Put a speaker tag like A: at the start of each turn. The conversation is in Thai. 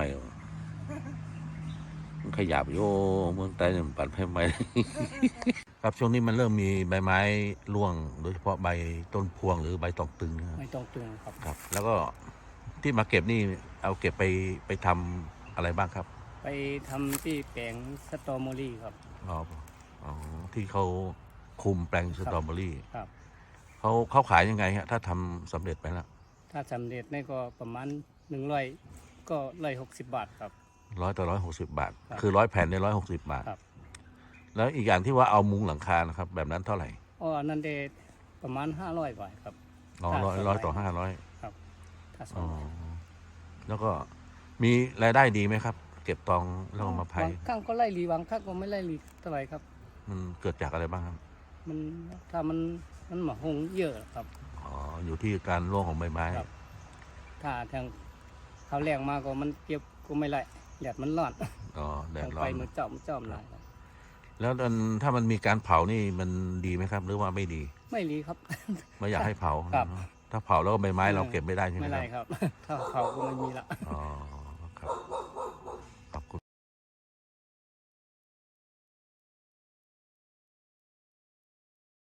A: ม่มันขยับโยเมืองใต้เนี่ยมันปั่นไฟใหม่ ครับช่วงนี้มันเริ่มมีใบไม้ร่วงโดยเฉพาะใบต้นพวงหรือใบตองตึงนะครับ
B: ไม่ต้องตึงครับ
A: ครับ แล้วก็ที่มาเก็บนี่เอาเก็บไปทำอะไรบ้างครับ
B: ไปทำที่แปลงสตรอเบอรี่ครับ
A: อ๋ออ๋อที่เขาคุมแปลงสตรอเบอรี่
B: ครับ
A: เขาขายยังไงฮะถ้าทำสำเร็จไปแล้ว
B: ถ้าสำเร็จนี่ก็ประมาณ100ก็160 บาทครับ
A: 100 ต่อ 160 บาท
B: ครับ
A: คือ100 แผ่นใน160 บาท
B: ครับ
A: แล้วอีกอย่างที่ว่าเอามุงหลังคานะครับ แบบนั้นเท่าไหร่
B: อ๋ออันนั้นได้ประมาณ500 บาทครับ
A: อ๋อ
B: ถ้า
A: ร้อย
B: สอง
A: ต่อ
B: ใบ
A: 500
B: ครับถ้าสอ
A: อ๋
B: ง
A: อ
B: ใบ
A: แล้วก็มีรายได้ดีไหมครับ เก็บตองแล้วก็มาไผ่
B: บางครั้งก็ไล่รีบางครั้งก็ไม่ไล่รีเท่าไหร่ครับ
A: มันเกิดจากอะไรบ้างครับ
B: มันถ้ามันหมาหงเยอะครับ
A: อ๋อ อยู่ที่การร่วงของใบไม้
B: ครับ ถ้าทางเขาแรงมาก็มันเก็บก็ไม่ไล่แดดมันร้อน
A: อ๋อ แดด
B: ต้อง
A: ร้อ
B: ไป
A: น
B: มือจอมหน่อยครับ
A: แล้วถ้ามันมีการเผานี่มันดีไหมครับ หรือว่าไม่ดี
B: ไม่รีครับ
A: ไม่อยากให้เผา
B: ครับ
A: ถ้าเผาแล้วก็ใบไม้เราเก็บไม่ได้ใช่ไหม
B: ไม่
A: ค
B: ไร
A: รับ
B: ครับ ถ้าเขาก็ไม่มีละ
A: อ๋อ ครับ